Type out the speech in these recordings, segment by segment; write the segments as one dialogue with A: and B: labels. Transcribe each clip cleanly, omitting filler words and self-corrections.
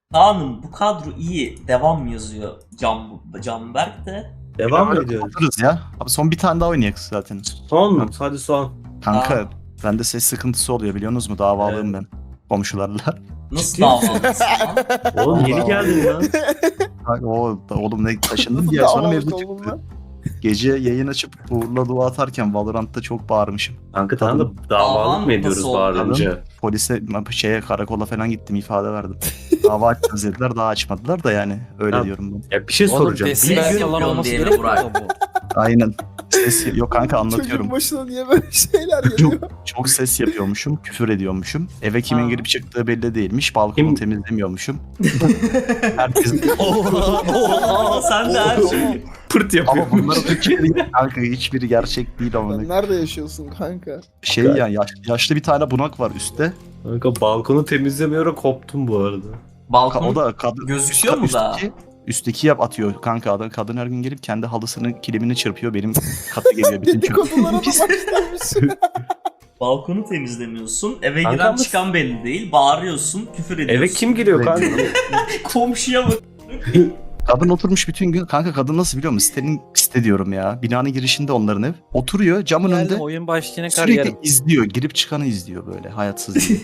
A: Kaan'ım bu kadro iyi. Devam yazıyor Canberk de.
B: Devam mı ediyoruz?
C: Kapatırız ya. Abi son bir tane daha oynayak zaten.
B: Son mu? Hadi son.
C: Kanka
A: Aa.
C: bende ses sıkıntısı oluyor biliyorsunuz mu? Davalıyım ben komşularla.
A: Nasıl
B: Ciddi
A: davalısın lan?
B: Oğlum
D: Allah
B: yeni
D: Allah.
B: geldin lan.
C: Kanka, oğlum ne taşındım diye sonra mevzu
D: Davalık oldum
C: çıktı.
D: ben.
C: Gece yayın açıp Uğur'la dua atarken Valorant'ta çok bağırmışım.
B: Kanka tamam da davalık mı ediyoruz
A: Nasıl oldu?
B: bağırınca?
C: Polise karakola falan gittim ifade verdim. Dava açacağız dediler daha açmadılar da yani öyle
B: Ha.
C: diyorum ben.
B: Ya bir şey
E: Oğlum
B: soracağım.
E: desibel
A: Biz
E: yalan
A: yapıyorsun
E: olması
A: diye mi
E: gerekmiyor
A: Burak?
E: mu bu?
C: Aynen. Ses yok kanka anlatıyorum.
D: Çocuğun başına niye böyle şeyler geliyor?
C: Çok ses yapıyormuşum, küfür ediyormuşum. Eve kimin
A: Ha.
C: girip çıktığı belli değilmiş. Balkonu
B: Kim?
C: temizlemiyormuşum. Herkes...
A: Aa, sen de her şey.
B: Pırt yapıyor.
C: Ama bunların hiçbiri, kanka hiçbiri gerçek değil ama.
D: Sen nerede yaşıyorsun kanka?
C: Şey ya yaşlı bir tane bunak var üstte.
B: Kanka balkonu temizlemiyorum koptum bu arada.
A: Balkon
C: O da kadın
A: gözüküyor mu da?
C: Üstteki yap atıyor kanka adam. Kadın her gün gelip kendi halısının kilimini çırpıyor. Benim kata geliyor bütün çöp.
D: Dedikodulara da başlamış.
A: Balkonu temizlemiyorsun. Eve
B: Kanka
A: giren
B: ama-
A: çıkan belli değil. Bağırıyorsun, küfür ediyorsun.
B: Eve kim giriyor kanka?
A: Komşuya bak.
C: Kadın oturmuş bütün gün. Kanka kadın nasıl biliyor musun? Site diyorum ya. Binanın girişinde onların ev. Oturuyor camın önünde.
E: Geldim oyun başlayana kadar
C: Sürekli
E: yarım.
C: izliyor. Girip çıkanı izliyor böyle. Hayatsız diye.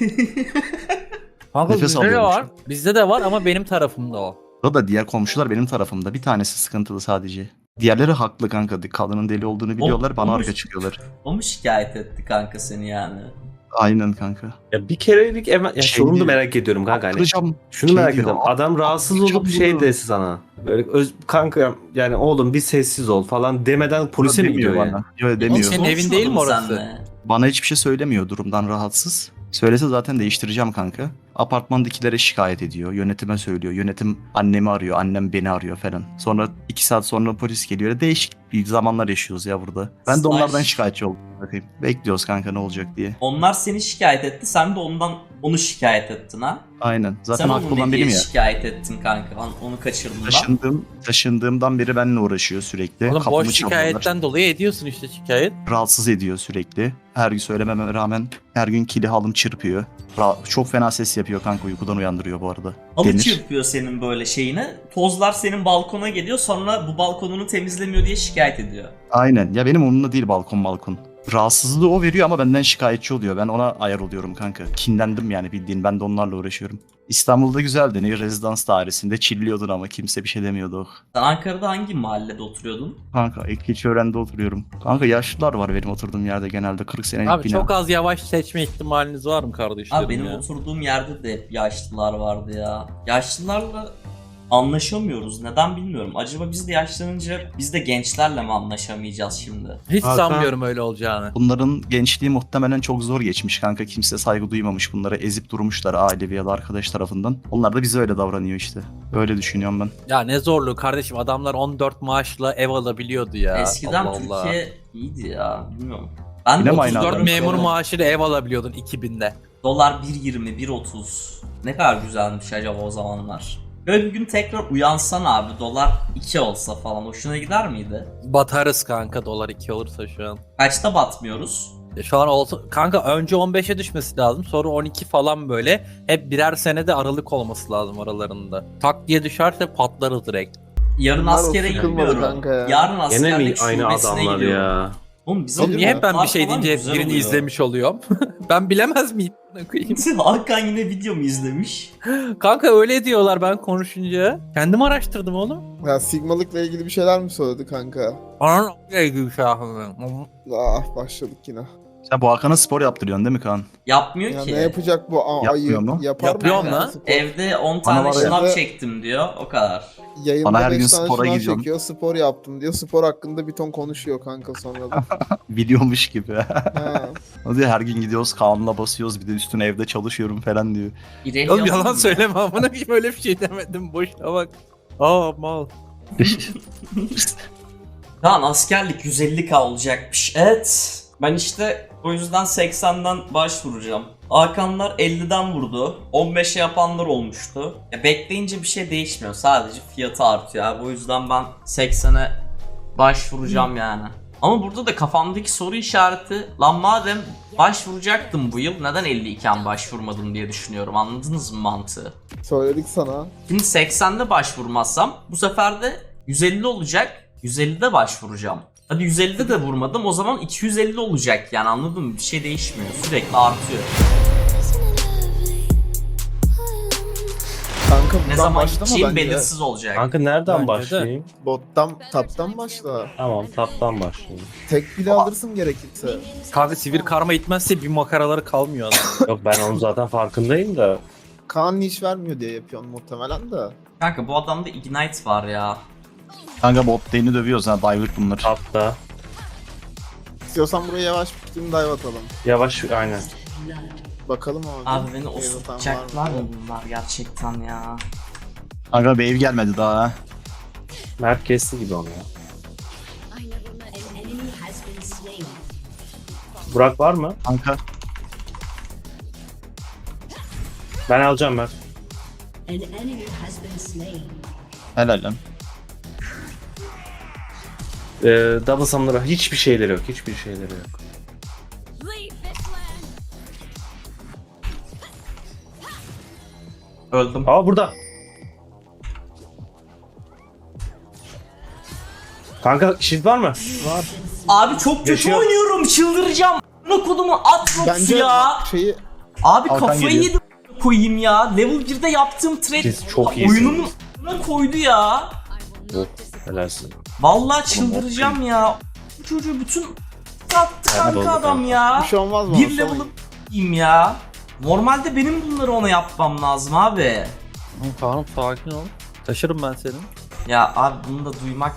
E: Kanka
C: Nefes
E: bizde de
C: alıyormuş.
E: var. Bizde de var ama benim tarafımda o.
C: O da diğer komşular benim tarafımda. Bir tanesi sıkıntılı sadece. Diğerleri haklı kanka. Kadının deli olduğunu biliyorlar. Bana
A: olmuş.
C: arka çıkıyorlar.
A: O mu şikayet etti kanka seni yani?
C: Aynen kanka.
B: Ya bir kerelik ya
C: Şey
B: şunu da
C: diyor.
B: merak ediyorum kanka hani.
C: Attıracağım.
B: Şunu
C: Şey
B: merak
C: diyor,
B: ediyorum. Adam rahatsız
C: attıracağım
B: olup şey
C: diyor.
B: dese sana. Böyle kanka yani oğlum bir sessiz ol falan demeden polise mi
C: Demiyor
B: gidiyor yani?
C: bana. Yok
E: Oğlum
C: demiyor.
E: senin evin değil mi
A: Konuşmadın
E: orası?
A: senle.
C: Bana hiçbir şey söylemiyor durumdan rahatsız. Söylese zaten değiştireceğim kanka. Apartmandakilere şikayet ediyor. Yönetime söylüyor. Yönetim annemi arıyor. Annem beni arıyor falan. Sonra 2 saat sonra polis geliyor. Değişik bir zamanlar yaşıyoruz ya burada. Ben de
A: Slash.
C: onlardan şikayetçi oldum. Bakayım. Bekliyoruz kanka ne olacak diye.
A: Onlar seni şikayet etti, sen de onu şikayet ettin ha?
C: Aynen. Zaten
A: Sen
C: haklı
A: onu
C: olan
A: ne
C: benim
A: diye
C: ya.
A: şikayet ettin kanka? Onu kaçırdın lan.
C: Taşındığımdan beri benimle uğraşıyor sürekli.
E: Oğlum
C: Kapımı
E: boş
C: çalıyorlar.
E: şikayetten dolayı ediyorsun işte şikayet.
C: Rahatsız ediyor sürekli. Her gün söylememe rağmen her gün kili halım çırpıyor. Çok fena ses yapıyor kanka uykudan uyandırıyor bu arada.
A: Halı
C: Denir.
A: çırpıyor senin böyle şeyine. Tozlar senin balkona geliyor, sonra bu balkonunu temizlemiyor diye şikayet ediyor.
C: Aynen. Ya benim umurumda değil balkon. Rahatsızlığı o veriyor ama benden şikayetçi oluyor. Ben ona ayar oluyorum kanka. Kinlendim yani bildiğin. Ben de onlarla uğraşıyorum. İstanbul'da güzeldi. Ne rezidans dairesinde chilliyordun ama kimse bir şey demiyordu.
A: Sen Ankara'da hangi mahallede oturuyordun?
C: Kanka Ekilçören'de oturuyorum. Kanka yaşlılar var benim oturduğum yerde genelde. 40 senelik
E: Abi
C: bina.
E: çok az yavaş seçme ihtimaliniz var mı kardeşlerim
A: Abi benim
E: ya?
A: oturduğum yerde de hep yaşlılar vardı ya. Yaşlılarla anlaşamıyoruz. Neden bilmiyorum. Acaba biz de yaşlanınca biz de gençlerle mi anlaşamayacağız şimdi?
E: Hiç
B: Hakan-
E: sanmıyorum öyle olacağını.
C: Bunların gençliği muhtemelen çok zor geçmiş kanka. Kimse saygı duymamış. Bunlara ezip durmuşlar ailevi ya da arkadaş tarafından. Onlar da bize öyle davranıyor işte. Öyle düşünüyorum ben.
E: Ya ne zorluğu kardeşim, adamlar 14 maaşla ev alabiliyordu ya.
A: Eskiden
E: Allah Allah.
A: Türkiye iyiydi ya. Bilmiyorum. Ben
C: Yine
A: de
C: mi aynı
E: 34
C: adam?
E: memur maaşıyla ev alabiliyordun 2000'de.
A: Dolar 1.20, 1.30. Ne kadar güzelmiş acaba o zamanlar. Böyle bir gün tekrar uyansan abi, dolar 2 olsa falan hoşuna gider miydi?
E: Batarız kanka dolar 2 olursa şu an.
A: Kaçta batmıyoruz?
E: Şu an olsa kanka önce 15'e düşmesi lazım, sonra 12 falan böyle. Hep birer senede aralık olması lazım aralarında. Tak diye düşerse patlarız direkt.
A: Yarın
D: Bunlar o
A: askere
D: sıkılmadı
A: gidiyorum.
D: kanka ya.
A: Yarın
B: Gene mi
A: askerlik
B: aynı
A: şubesine
B: adamlar
A: gidiyorum.
B: ya?
A: Oğlum bizim
E: Oğlum niye hep ben bir şey
A: falan
E: deyince
A: güzel
E: birini
A: oluyor.
E: izlemiş oluyorum? Ben bilemez miyim?
A: Hakan yine video mu izlemiş?
E: Kanka öyle diyorlar ben konuşunca. Kendim araştırdım oğlum.
D: Ya Sigmalık'la ilgili bir şeyler mi söyledi kanka?
E: Anam ilgili bir şey yapmıyorum.
D: Ah başladık yine.
C: Sen bu Hakan'a spor yaptırıyorsun değil mi Kaan?
A: Yapmıyor
D: Ya
A: ki.
D: ne yapacak bu
C: Yapmıyor
D: ayı?
C: mu?
D: Yapar
E: Yapıyor
D: mı?
E: lan.
D: Spor?
A: Evde 10
C: Bana
A: tane
C: var ya.
A: şınav
D: Evde-
A: çektim diyor. O kadar.
D: Yayında
C: Bana her
D: 5
C: gün
D: tane
C: spora
D: şınav
C: gidiyorum.
D: çekiyor, spor yaptım diyor. Spor hakkında bir ton konuşuyor kanka sonra da.
C: Biliyormuş gibi.
D: Ha.
C: O diyor her gün gidiyoruz Kaan'la basıyoruz bir de üstüne evde çalışıyorum falan diyor.
A: İrelya
E: Oğlum yalan
A: mı?
E: söyleme amına koyayım, öyle bir şey demedim, boşuna bak. Aa mal.
A: Kaan askerlik 150k olacakmış. Evet. Ben işte o yüzden 80'den başvuracağım. Hakanlar 50'den vurdu. 15'e yapanlar olmuştu. Ya bekleyince bir şey değişmiyor. Sadece fiyatı artıyor abi. O yüzden ben 80'e başvuracağım yani. Ama burada da kafamdaki soru işareti, lan madem başvuracaktım bu yıl neden 50 iken başvurmadım diye düşünüyorum. Anladınız mı mantığı?
D: Söyledik sana.
A: Şimdi 80'de başvurmazsam bu sefer de 150 olacak. 150'de başvuracağım. Hadi 150'de de vurmadım, o zaman 250 olacak yani, anladın mı? Bir şey değişmiyor, sürekli artıyor.
D: Kanka
A: Ne
D: buradan
A: zaman
D: başlama
A: gideceğim
D: bence.
A: belirsiz olacak.
B: Kanka nereden
E: Bence de.
B: başlayayım?
D: Bottan, taptan başla.
B: Tamam taptan başlayayım.
D: Tek bile alırsın gerekirse.
E: Kanka sivir karma itmezse bir makaraları kalmıyor adam.
B: Yok ben onun zaten farkındayım da.
D: Kaan iş vermiyor diye yapıyorsun muhtemelen de.
A: Kanka bu adamda Ignite var ya.
C: Kanka bot lane'i dövüyoruz ha. Diver bunlar.
B: Tapta.
D: İstiyorsan buraya yavaş bir dive atalım.
B: Yavaş aynen.
D: Bakalım abi.
A: Abi beni
D: Wave atan
A: osutacaklar
D: var
A: mı bunlar gerçekten ya?
C: Kanka wave gelmedi daha ha.
B: Mert kesti gibi onu ya. Burak var mı?
C: Kanka
B: Ben alacağım Mert.
C: helal lan.
B: Double summoner'a hiçbir şeyleri yok. Hiçbir şeyleri yok.
A: Öldüm.
B: Aa burada. Kanka shield var mı?
A: Abi çok kötü
B: Yaşıyor.
A: oynuyorum, çıldıracağım. Ne kodumu Atrox
D: Bence
A: ya.
D: şeyi
A: Abi
C: Hakan
A: kafayı
C: geliyor.
A: yedim koyayım ya. Level 1'de yaptığım trade
B: Siz çok iyisiniz.
A: oyunumun ne koydu ya.
B: Helalsin.
A: Vallahi çıldıracağım ya. Bu çocuğu bütün attı
B: Hadi oldu
A: kanka adam
B: kanka.
A: ya.
D: bir şey olmaz mı?
A: Bir level'ım ya. Normalde benim bunları ona yapmam lazım abi.
E: Kaan'ım sakin ol. Taşırım ben seni.
A: Ya abi bunu da duymak.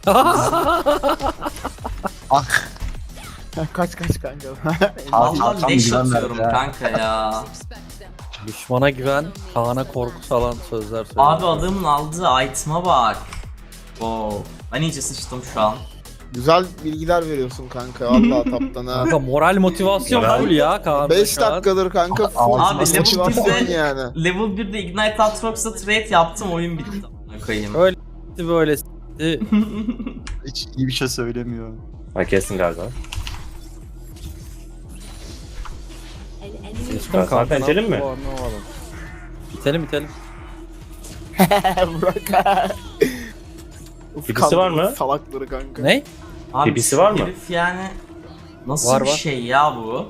C: Ah.
D: Kaç kanka.
C: Abi,
A: Vallahi
C: tam
A: leş
C: güven
A: atıyorum
C: verdi ya.
A: kanka ya.
E: Düşmana güven, Kaan'a korku salan sözler söyle.
A: Abi adamın aldığı item'a bak. Oo. Ben iyice sıçtım şu an.
D: Güzel bilgiler veriyorsun kanka. Vallahi taptan ha.
E: Kanka moral motivasyon
B: Ben-
E: full ya Kaan.
D: 5 dakikadır kanka full
A: Abi, level
D: motivasyon
A: birde-
D: yani.
A: Level 1'de Ignite Atrox'la trade yaptım, oyun bitti. Amına koyayım.
E: Öyle s**ti, böyle s**ti.
C: Hiç iyi bir şey söylemiyor.
B: Ha kestin galiba.
E: Geçtim
B: Zaten
E: kanka,
B: itelim mi?
E: ne yaptı bu anlamadım. İtelim.
D: Burak. Uf,
B: Birisi var mı?
D: kandırdı Salakları kanka.
E: Ne?
A: Abi
B: Birisi
A: şu
B: var mı?
A: herif yani nasıl
E: Var,
A: bir
E: var.
A: şey ya bu?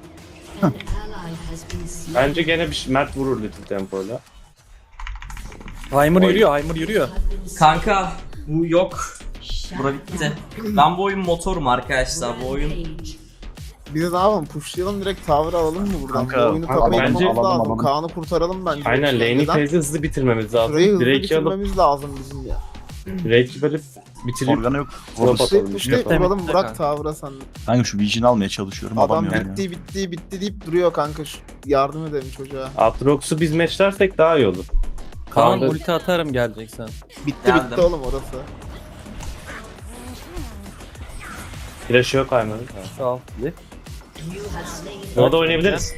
B: Bence gene bir Mert vurur Little Tempo'yla.
E: Heimer yürüyor.
A: Kanka bu yok. Bura bitti. Ben bu oyun motorum arkadaşlar. Bu oyun
D: Biz ne yapalım? Pushlayalım direkt tower alalım mı buradan?
C: Kanka,
D: Bu oyunu
C: kanka,
D: kapayıp
B: bence-
D: lazım.
C: alalım.
D: Kaan'ı kurtaralım bence.
B: Aynen lane'i
D: Neden?
B: phase'i hızlı bitirmemiz lazım.
D: Şurayı hızlı
B: Drake'i alıp
D: bitirmemiz lazım bizim ya.
B: Drake'i böyle bitirip
C: Organa yok.
B: Drop
C: Vururuz.
B: atalım.
D: Pushlayıp
E: Bitti,
D: vuralım
E: bitti
D: Burak
E: kanka.
D: tower'a sen.
C: Kanka şu Vision almaya çalışıyorum.
D: Adam
C: Alamıyorum ya.
D: bitti deyip duruyor kanka. Yardım edelim çocuğa.
B: Aatrox'u biz matchlersek daha iyi olur.
E: Kaan
B: Kaan'da-
E: ulti atarım geleceksen.
D: Bitti
A: Geldim.
D: oğlum orası.
B: Flash yok Ayman'ın.
E: Sağ ol.
B: Ona da oynayabiliriz.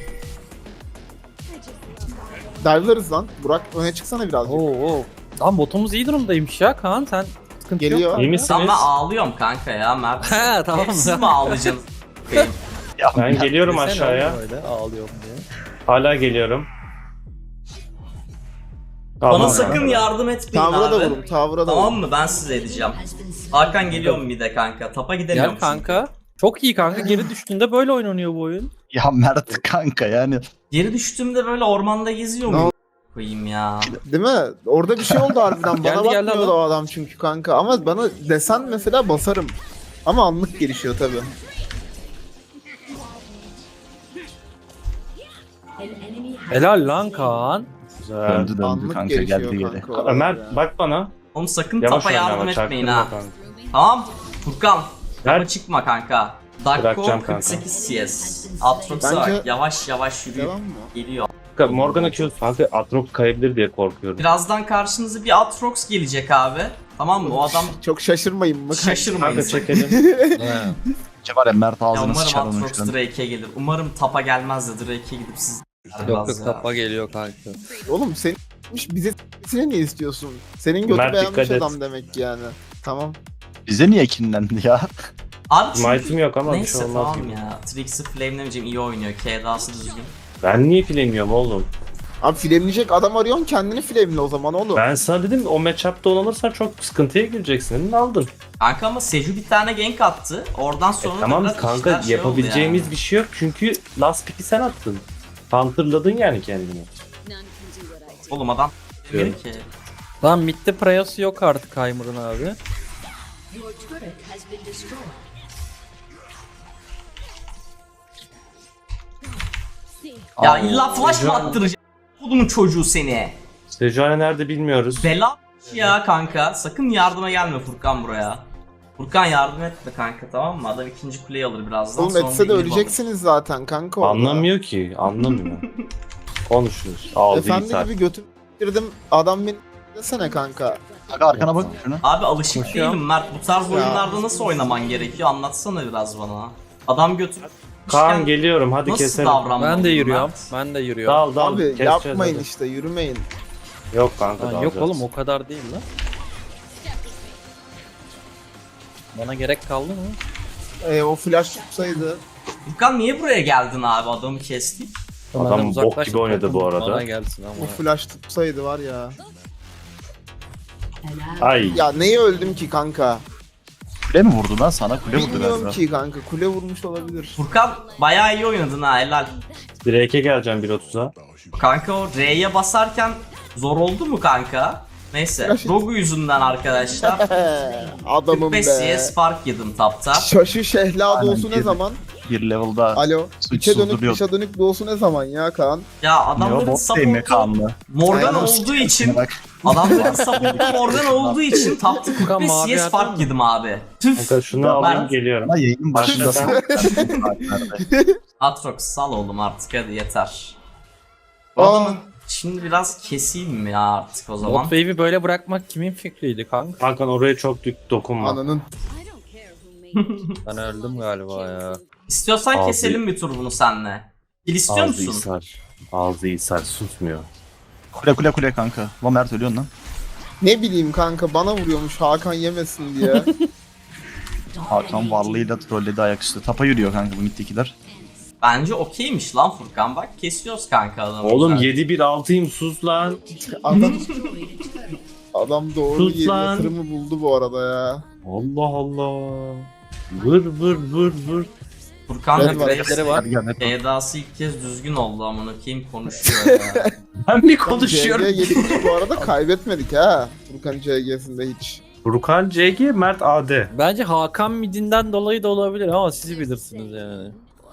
D: Dive'larız lan. Burak öne çıksana birazcık.
E: Oo. Lan botumuz iyi durumdaymış ya Kaan, sen sıkıntı
D: Geliyor.
E: yok.
B: İyi misiniz?
A: Tamam ben ağlıyorum kanka ya Mert.
E: He tamam.
A: Siz mi ağlayacaksınız? Bakayım.
B: Ben geliyorum
E: Desene
B: aşağıya.
E: oğlum öyle, ağlıyorum diye.
B: Hala geliyorum.
A: Bana
B: Tamam.
A: sakın yardım etmeyin
D: Tower'a da
A: abi.
D: vurun. Tower'a da
A: Tamam
D: vurun.
A: mı? Ben size edeceğim. Hakan geliyor mu bir de kanka? Tapa gidemiyorum.
E: Gel kanka. Çok iyi kanka, geri düştüğünde böyle oynanıyor bu oyun.
C: Ya Mert kanka yani.
A: Geri düştüğümde böyle ormanda geziyor
D: Ne
A: muyum? Koyayım ya.
D: Değil mi? Orada bir şey oldu harbiden. Bana
E: Geldi
D: bakmıyordu
E: adam.
D: o adam çünkü kanka. Ama bana desen mesela basarım. Ama anlık gelişiyor tabii.
E: Helal lan Kaan.
B: Güzel.
C: Döndü
D: Anlık
C: kanka
D: gelişiyor
C: geldi geri.
D: kanka. oralar
B: Ömer
D: ya.
B: bak bana.
A: Oğlum sakın
B: Yavaş
A: tapa
B: oyna
A: yardım
B: ama
A: etmeyin
B: çaktırma
A: ha.
B: kanka.
A: Tamam. Furkan. Tapa
B: Ver.
A: çıkma kanka. Dakko
B: Bırakacağım kanka.
A: 48 CS. Atrox'a
D: Bence-
A: bak. Yavaş yavaş yürüyor.
D: Devam mı?
A: Geliyor.
B: Kanka Morgana Q kanka Aatrox kayabilir diye korkuyorum.
A: Birazdan karşınıza bir Atrox gelecek abi. Tamam mı? O adam
D: Çok şaşırmayın mı?
A: şaşırmayın.
B: Kanka çekelim.
C: Şey var ya Mert
A: Ya
C: ağzını
A: umarım
C: sıçar onun
A: Atrox
C: şu an.
A: Drake'e gelir. Umarım tapa gelmez de Drake'e gidip siz...
E: Yok tapa geliyor kanka.
D: Oğlum senin bize s**sine niye istiyorsun? Senin götü
B: Mert,
D: beğenmiş
B: dikkat et.
D: adam demek yani. Tamam.
C: Bize niye kinlendi ya?
A: Abi çünkü...
B: Smite'ım yok ama bir
A: Neyse
B: şey olmaz
A: tamam
B: gibi.
A: ya. Trixie flamelemeyeceğim, iyi oynuyor. K'dası düzgün.
B: Ben niye filemiyorum oğlum?
D: Abi flameleyecek adam arıyorsun, kendini flamele o zaman oğlum.
B: Ben sana dedim o matchup'ta oynanırsan çok sıkıntıya gireceksin. Dedin aldın.
A: Kanka ama Seju bir tane gank attı. Oradan sonra da
B: Tamam
A: biraz
B: kanka
A: işler şey
B: yapabileceğimiz
A: oldu
B: bir şey yok çünkü last pick'i sen attın. Counter'ladın yani kendini.
A: Oğlum adam
B: Diyorum.
A: ki.
E: Lan midde Prayası yok artık Heimer'ın abi.
A: Ya illa flash mı attıracak? Bunun çocuğu seni.
B: Sejuani nerede bilmiyoruz.
A: Bela ya kanka. Sakın yardıma gelme Furkan buraya. Furkan yardım etme kanka, tamam mı? Adam ikinci kuleyi alır birazdan.
D: Oğlum
A: sonra
D: etse de
A: bir inhib
D: öleceksiniz zaten kanka orada.
B: Anlamıyor ki. Anlamıyor. Konuşuyoruz. Ağzı
D: Efendi
B: ithal.
D: gibi götüm girdim, adam beni desene kanka.
C: Kanka arkana bak şuna.
A: alır. Abi alışık
E: Koşuyor.
A: değilim Mert. Bu tarz oyunlarda nasıl oynaman gerekiyor? Anlatsana biraz bana. Adam götürüp
B: Kaan geliyorum hadi
A: nasıl
B: keselim.
A: davranmalıyım
E: Ben de yürüyorum.
A: Mert?
E: Ben de yürüyorum.
B: Dal dal.
D: Abi
B: keseceğiz
D: yapmayın
B: hadi.
D: işte, yürümeyin.
B: Yok kanka
E: Lan
B: dalacağız.
E: yok oğlum o kadar değil lan. Bana gerek kaldı mı?
D: O flash tutsaydı.
A: Furkan niye buraya geldin abi? Adamı kestik.
B: Adam
E: Benden
B: bok
E: uzaklaş,
B: gibi oynadı bu arada.
E: Bana gelsin
D: O
E: ama.
D: flash tutsaydı var ya.
B: Ay.
D: Ya neye öldüm ki kanka?
C: Kule mi vurdu lan sana? Kule vurdu
D: Bilmiyorum
C: galiba.
D: ki kanka, kule vurmuş olabilir.
A: Furkan bayağı iyi oynadın ha, helal.
B: Drake'e geleceğim 1.30'a.
A: Kanka o R'ye basarken zor oldu mu kanka? Neyse.
D: Flash it.
A: Rogu yüzünden arkadaşlar.
D: Adamım
A: 45
D: be.
A: CS fark yedim tapta.
D: Şaşı şehla
C: Aynen,
D: doğusu ne
C: girdi.
D: zaman?
C: Bir level'da
D: Alo. İçe
C: suçsuz
D: dönük
C: duruyor.
D: dışa dönük doğusu ne zaman ya Kaan?
A: Ya
C: Ne o
A: adamların
C: bot değil mi
A: support'u
C: Kaan'la?
A: Morgan
D: Aynen.
A: olduğu için
C: Bak.
A: adamların support'u Morgan olduğu için tapta
E: Furkan
A: 45
E: mavi
A: CS
E: yerden
A: fark
E: mi?
A: yedim abi. Tüf.
B: Kanka şunu
A: Ben-
B: alayım geliyorum.
C: Ama yayının başında sana.
A: Atrox sal oğlum artık, hadi yeter.
D: Aa.
A: Adamın şimdi biraz keseyim mi ya artık o
E: Bot
A: zaman?
E: wave'i böyle bırakmak kimin fikriydi kanka?
B: Hakan oraya çok dokunma.
D: Ananın.
E: Ben öldüm galiba ya.
A: İstiyorsan
B: Abi.
A: keselim bir tur bunu senle. Gil istiyor
B: Ağzı
A: musun?
B: ishal. Ağzı ishal susmuyor.
C: Kule kanka. Lan Mert ölüyorsun lan.
D: Ne bileyim kanka, bana vuruyormuş Hakan yemesin diye.
C: Hakan varlığıyla trolledi ayaküstü. Tapa yürüyor kanka bu middekiler.
A: Bence okeymiş lan Furkan, bak kesiyoruz kanka adamı.
B: Oğlum
A: güzel.
B: 7-1-6'yım sus lan.
D: Adam Adam doğru
B: Sus
D: bir
B: lan.
D: yatırımı buldu bu arada ya.
B: Allah Allah. Vır vır vır vır.
A: Furkan
D: Evet,
A: da
E: Refleksleri var.
C: Hadi gel net.
A: Edası ilk kez düzgün oldu, amına koyayım konuşuyor ya.
B: Ben bir
D: CG
B: konuşuyorum.
D: geçtik bu arada, kaybetmedik ha. Furkan CG'sinde hiç.
B: Furkan CG, Mert AD.
E: Bence Hakan midinden dolayı da olabilir ama siz bilirsiniz yani.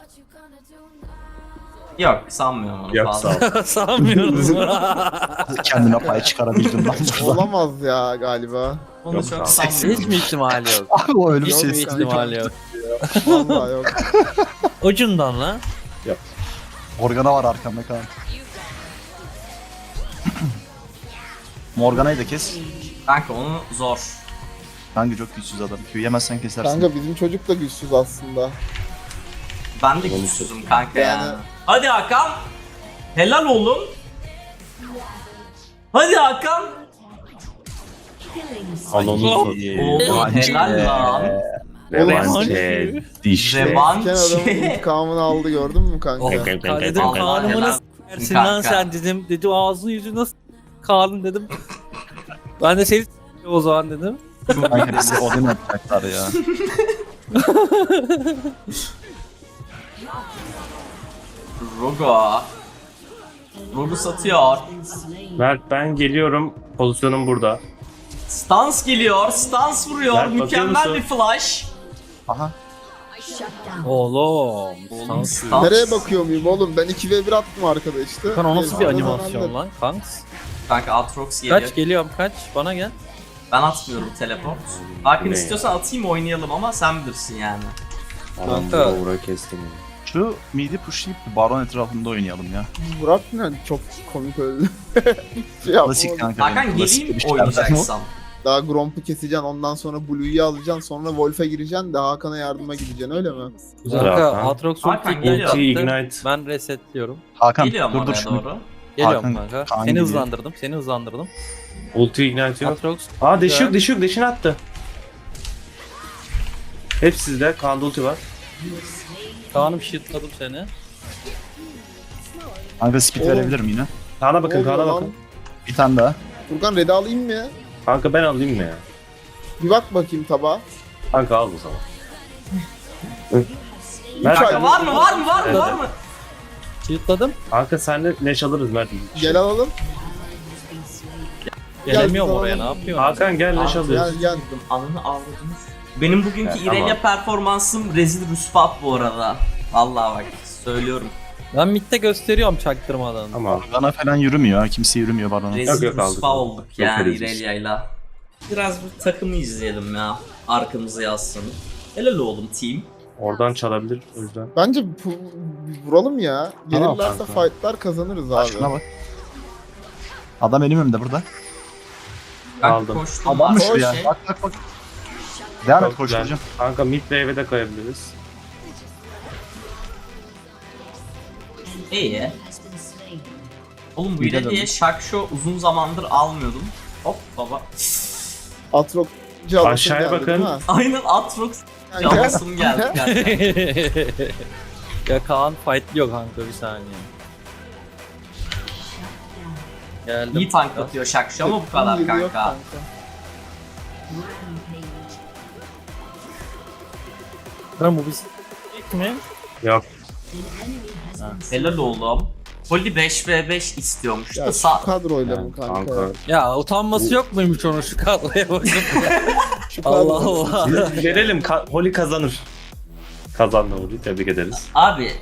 A: Yok sanmıyorum onu
B: Yok
A: fazla.
B: sağ ol.
E: Sanmıyorum.
C: Kendine pay çıkarabildim lan burada.
D: Olamaz ya galiba.
A: Onu
B: Yok,
A: çok
B: sağ ol.
E: Hiç
A: sanmıyorum.
E: mi ihtimali yok?
C: Abi o ölüm
E: Yok mu
C: sesi.
E: ihtimali yok?
D: Vallahi yok.
E: Ucundan lan.
C: Morgana var arkamda Kaan. Morgana'yı da kes.
A: Kanka onu zor.
C: Kanka çok güçsüz adam. Q yemezsen kesersin.
D: Kanka bizim çocuk da güçsüz aslında.
A: Ben de güçsüzüm kanka ya.
D: Yani-
A: Hadi Hakan. Helal oğlum. Hadi Hakan.
B: Anonun
A: Oğlum helal lan.
B: Revanche. Dişle.
A: Revanche.
D: Ken adamın intikamını aldı, gördün mü kanka?
E: Oh, dedim Kaan'ımı
A: helal.
E: nasıl versin lan
A: Kanka.
E: sen dedim. Dedi ağzını yüzünü nasıl Kaan'ın dedim. Ben de seni o zaman dedim.
C: Kanka bizi Odin atacaklar ya.
A: Rogo. Rogo satıyor.
B: Mert ben geliyorum. Pozisyonum burada.
A: Stans geliyor. Stans vuruyor.
B: Mert, bakıyor
A: Mükemmel
B: musun?
A: bir flash.
C: Aha.
E: Oğlum.
A: Oğlum,
E: Stans.
A: stans.
D: Nereye bakıyor muyum oğlum? Ben 2v1 attım arkada işte.
E: Kan o nasıl bir
D: Neyse,
E: animasyon
D: anladım.
E: lan kanks?
A: Kanka Atrox geliyor.
E: Kaç geliyorum kaç bana gel.
A: Ben atmıyorum teleport. Hakan
B: Ne
A: istiyorsan atayım oynayalım ama sen bilirsin yani.
B: Adam
E: Kanka.
B: vura vura kestim.
C: Şu midi pushlayıp baron etrafında oynayalım ya.
D: Burak ne? Çok komik öldü. şey
C: Klasik
D: yapamadım.
C: kanka.
A: Hakan
C: klasik
A: geleyim
C: bir şeylerden o.
A: oynayacaksan.
D: Daha Gromp'u keseceksin, ondan sonra Blue'yu alacaksın, sonra Wolf'e gireceksin de Hakan'a yardıma gideceksin, öyle mi?
E: Kanka
B: Hakan.
E: Atrox
A: Hakan
E: ulti
A: geliyor.
B: Ignite.
E: Ben resetliyorum.
C: Hakan
A: Geliyorum
C: dur
A: oraya
C: şunu.
A: doğru.
E: Geliyorum
C: Hakan,
E: kanka.
C: Kaan
E: Seni
C: geliyor.
E: hızlandırdım. Seni hızlandırdım.
B: Ulti ignite yok.
E: Atrox.
B: Aa deş yok deşini attı. Hepsi sizde. Kaan'da ulti var.
E: Kaan'ım shieldladım seni.
C: Kanka speed
D: Oğlum.
C: verebilirim yine.
B: Kaan'a bakın,
D: Ne oluyor
B: Kaan'a
D: lan?
B: bakın.
C: Bir tane daha.
D: Furkan red'i alayım mı ya?
B: Kanka ben alayım mı ya?
D: Bir bak bakayım tabağa.
B: Kanka al o zaman.
A: Kanka var mı var mı var mı var mı?
E: Shieldladım.
B: Kanka senle neş alırız Mert.
D: Gel alalım.
E: Gelemiyorum
D: Gel,
E: oraya, ne
D: tamam.
E: yapıyorsun?
B: Hakan gel neş
A: Abi,
B: alıyoruz.
D: Gel.
A: Anını avradınız. Benim bugünkü
B: Evet,
A: İrelia
B: tamam.
A: performansım rezil rüsvat bu arada. Vallahi bak söylüyorum.
E: Ben midde gösteriyorum çaktırmadan.
B: Ama
C: Bana falan yürümüyor. Kimse yürümüyor bana.
A: Rezil
B: yok, aldık.
A: rüsva olduk
B: Çok
A: yani
B: rezil.
A: İrelia'yla. Biraz bu takımı izleyelim ya. Arkamızı yazsın. Helal oğlum team.
B: oradan çalabilir o yüzden.
D: Bence vuralım ya.
B: Tamam
D: Gelirlerse
B: kanka.
D: fightlar kazanırız abi.
C: Şuna bak. Adam benim önümde burada.
A: Ben
B: Aldım.
A: koştum.
C: Adammış
A: bak,
C: bu ya.
A: şey.
C: Bak bak bak. Devam et
B: Çok güzel.
C: koşturacağım.
B: Kanka mid wave'e de kayabiliriz.
A: İyi. Oğlum bu
C: Bir de
A: İrelia'ya
C: döndüm.
A: Shaksho uzun zamandır almıyordum. Hop baba.
D: Atrok alasın
B: Aşağıya
D: geldi,
B: bakın.
D: değil mi?
A: Aynen Atrox
D: Kanka.
A: çalasım geldi kanka.
E: Ya Kaan fightlıyor kanka, bir saniye. Geldim.
A: İyi tank atıyor Shaksho ama bu kadar
D: Geliyor
A: kanka.
E: Lan bu biz mi?
B: Yok.
A: Helal oğlum. Poli 5v5 istiyormuş
D: Ya
A: da
D: şu kadroyla mı kanka?
B: Kanka.
E: Ya utanması yok muymuş onun şu kadroya bakıp?
D: Şu
E: Allah
D: kadro.
E: Allah.
B: Verelim. Holly kazanır. Kazandı Holly. Tebrik ederiz.
A: Abi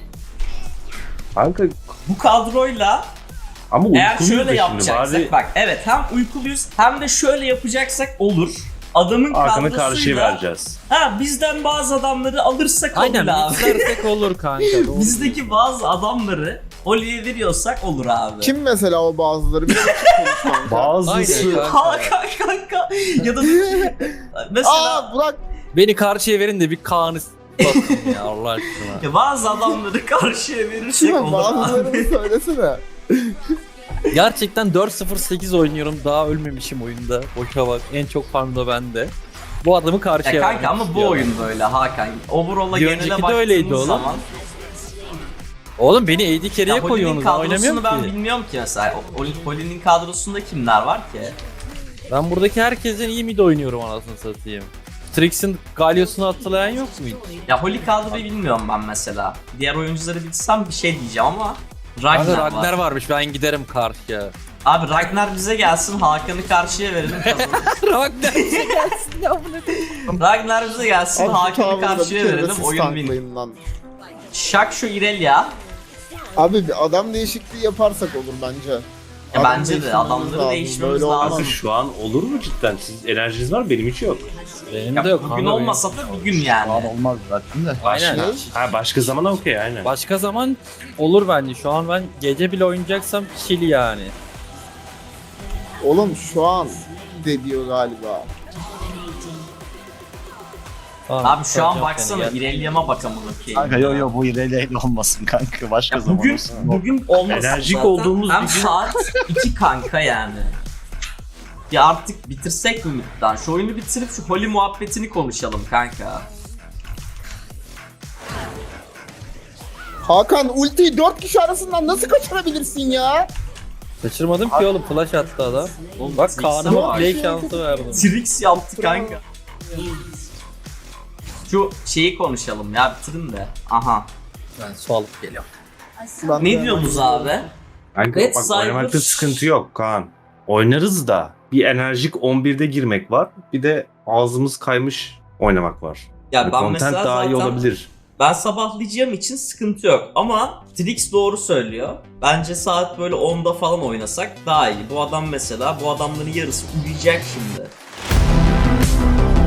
B: Kanka
A: bu kadroyla
B: ama
A: eğer
B: uykuluyuz
A: şöyle
B: da
A: yapacaksak
B: şimdi. Bari
A: bak evet hem uykuluyuz hem de şöyle yapacaksak olur. Adamın
B: arkanı karşıya
A: kadrosuyla
B: vereceğiz.
A: bizden bazı adamları alırsak
E: Aynen,
A: olur abi.
E: mixlersek olur kanka. doğru.
A: Bizdeki bazı adamları Oli'ye veriyorsak olur abi.
D: Kim mesela o bazıları? Bir de konuş kanka.
B: Bazısı
E: Aynen kanka.
A: Hakan kanka ya da mesela
D: Aa Burak.
E: Beni karşıya verin de bir Kaan'ı s**tasın ya Allah aşkına.
A: ya bazı adamları karşıya verirsek
D: Kim
A: olur abi.
D: bazılarını söylesene.
E: Gerçekten 4-0-8 oynuyorum, daha ölmemişim oyunda. Boşa bak, en çok farm da bende. Bu adamı karşıya
A: Ya kanka
E: vermek
A: ama bu
E: istiyorum.
A: oyun böyle Hakan. Overall'a
E: Bir
A: genele
E: önceki de
A: baktığımız
E: öyleydi oğlum.
A: zaman.
E: Oğlum beni AD carry'e
A: Ya Poli'nin
E: koyuyorsunuz, ben
A: kadrosunu
E: oynamıyorum
A: ben
E: ki.
A: bilmiyorum ki mesela. Poli'nin kadrosunda kimler var ki?
E: Ben buradaki herkesten iyi mid oynuyorum anasını satayım. Trix'in Galio'sunu hatırlayan yok mu hiç?
A: Ya Holly kadroyu bilmiyorum ben mesela. Diğer oyuncuları bilsem bir şey diyeceğim ama
E: Kanka
A: Ragnar
E: Ragnar
A: var.
E: varmış, ben giderim karşıya.
A: Abi Ragnar bize gelsin, Hakan'ı karşıya verelim kazanır.
E: Ragnar bize gelsin ya, bu ne?
A: Ragnar bize gelsin,
D: Abi şu
A: Hakan'ı
D: tavrında bir
A: karşıya
D: kere de
A: verelim,
D: siz
A: oyun win.
D: tanklayın lan.
A: Shaksho İrelia.
D: Abi bir adam değişikliği yaparsak olur bence.
A: Ya
D: Adam
A: bence de
D: değiştirmemiz
A: adamları
D: lazım,
A: değişmemiz
D: böyle olmaz.
A: lazım.
B: Kanka şu an olur mu cidden? Siz enerjiniz var benim hiç yok.
E: Benim
A: Ya
E: de yok
A: bugün
E: kanka,
A: olmasa da bir gün
C: Şu an
A: yani.
C: olmaz zaten de.
E: Aynen.
D: Ne?
B: Ha başka zaman okey aynen.
E: Başka zaman olur bence. Şu an ben gece bile oynayacaksam chill yani.
D: Oğlum şu an de diyor galiba.
E: Tamam,
A: Abi şu an
E: soracağım
A: baksana
E: seni, gel.
A: İrelia'ma bakalım bakayım.
C: Kanka yo bu ilerleyle olmasın kanka. Başka
A: Ya
C: zaman
A: bugün
C: olsun.
A: bugün olmasın
B: Enerjik
A: zaten.
B: olduğumuz
A: Hem
B: bir gün-
A: saat 2 kanka yani. Ya artık bitirsek mi midden? Şu oyunu bitirip şu Holly muhabbetini konuşalım kanka.
D: Hakan ultiyi 4 kişi arasından nasıl kaçırabilirsin ya?
E: Kaçırmadım ki oğlum, flash attı adam.
A: Oğlum,
E: Bak
A: Trix'e
E: Kaan'a
A: bak.
E: play şansı verdim.
A: Trix yaptı kanka. Şu şeyi konuşalım ya bitirin de. Aha.
E: Ben su alıp geliyorum.
D: Lan
A: Ne diyorsunuz abi?
B: Kanka
A: Red
B: bak
A: Cyber-
B: oynamakta sıkıntı yok Kaan. Oynarız da bir enerjik 11'de girmek var. Bir de ağzımız kaymış oynamak var.
A: Ya
B: Yani
A: ben
B: content
A: mesela
B: daha iyi
A: zaten
B: olabilir.
A: ben sabahlayacağım için sıkıntı yok ama Trix doğru söylüyor. Bence saat böyle 10'da falan oynasak daha iyi. Bu adam mesela bu adamların yarısı uyuyacak şimdi.